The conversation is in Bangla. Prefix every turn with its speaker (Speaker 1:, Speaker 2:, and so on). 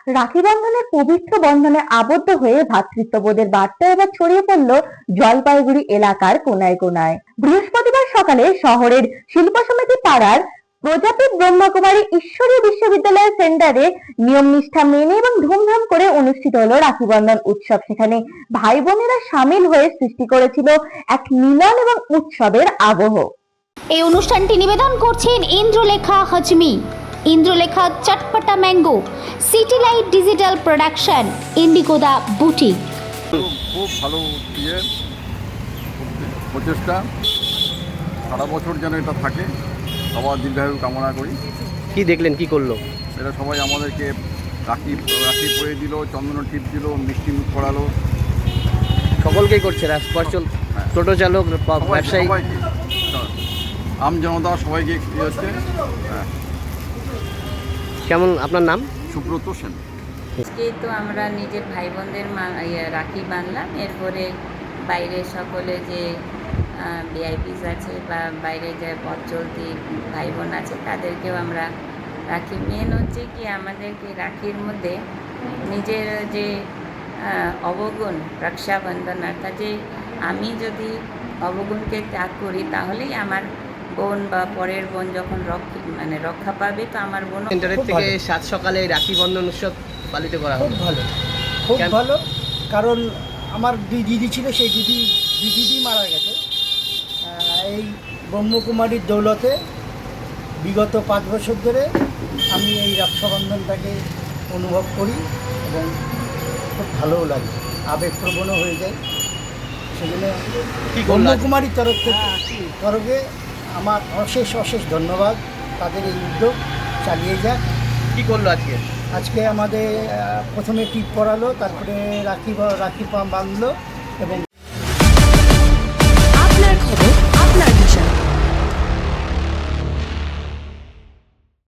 Speaker 1: রাখি বন্ধনের পবিত্র বন্ধনে আবদ্ধ হয়ে ভ্রাতৃত্ববোধের বার্তা এবার ছড়িয়ে পড়ল জলপাইগুড়ি এলাকার কোনায় কোনায়। বৃহস্পতিবার সকালে শহরের শিল্প সমিতি পাড়ার প্রজাপতি ব্রহ্মকুমারী ঈশ্বরী বিশ্ববিদ্যালয়ের সেন্টারে নিয়ম নিষ্ঠা মেনে এবং ধুমধাম করে অনুষ্ঠিত হলো রাখি বন্ধন উৎসব। সেখানে ভাই বোনেরা সামিল হয়ে সৃষ্টি করেছিল এক মিলন এবং উৎসবের আবহ।
Speaker 2: এই অনুষ্ঠানটি নিবেদন করছেন Indralekha Hajmi, Indralekha chatpata mango, city light digital production, ইন্ডিগোদা বুটিক।
Speaker 3: খুব ভালো প্রচেষ্টা, সারা বছর যেন এটা থাকে, সবার দীর্ঘায়ু কামনা করি।
Speaker 4: কি দেখলেন, কি করলো
Speaker 3: এরা সবাই আমাদেরকে রাখি পরিয়ে দিল, চন্দন টিপ দিল, মিষ্টি মুখ করালো।
Speaker 4: সকলকেই করছে, টোটো চালক, ব্যবসায়ী,
Speaker 3: সবাইকে, আম জনতা সবাইকে হচ্ছে।
Speaker 4: কেমন আপনার নাম?
Speaker 3: সুব্রত সেন।
Speaker 5: আজকে তো আমরা নিজের ভাই বোনদের রাখি বাঁধলাম, এরপরে বাইরে সকলে যে ভিআইপিস আছে বা বাইরে যে পথ চলতি ভাই বোন আছে তাদেরকেও আমরা রাখি। মেন হচ্ছে কি আমাদেরকে রাখির মধ্যে নিজের যে অবগুণ, রক্ষাবন্ধন, অর্থাৎ যে আমি যদি অবগুণকে ত্যাগ করি তাহলেই আমার বোন বা পরের বোন যখন রক্ষা পাবে, তো আমার বোন।
Speaker 4: সেন্টারের থেকে সাত সকালে রাখি বন্ধন উৎসব পালিত করা
Speaker 6: খুব ভালো, খুব ভালো। কারণ আমার দুই দিদি ছিল, সেই দিদি মারা গেছে। এই ব্রহ্মকুমারীর দৌলতে বিগত 5 বছর ধরে আমি এই রক্ষাবন্ধনটাকে অনুভব করি এবং খুব ভালোও লাগে, আবেগপ্রবণও হয়ে যায়। সেজন্য ব্রহ্মকুমারীর তরফে আমার অশেষ ধন্যবাদ। তাদের এই উদ্যোগ চালিয়ে যাক।
Speaker 4: কি করলো আজকে
Speaker 6: আমাদের প্রথমে টিপ পরালো, তারপরে রাখি বাঁধলো এবং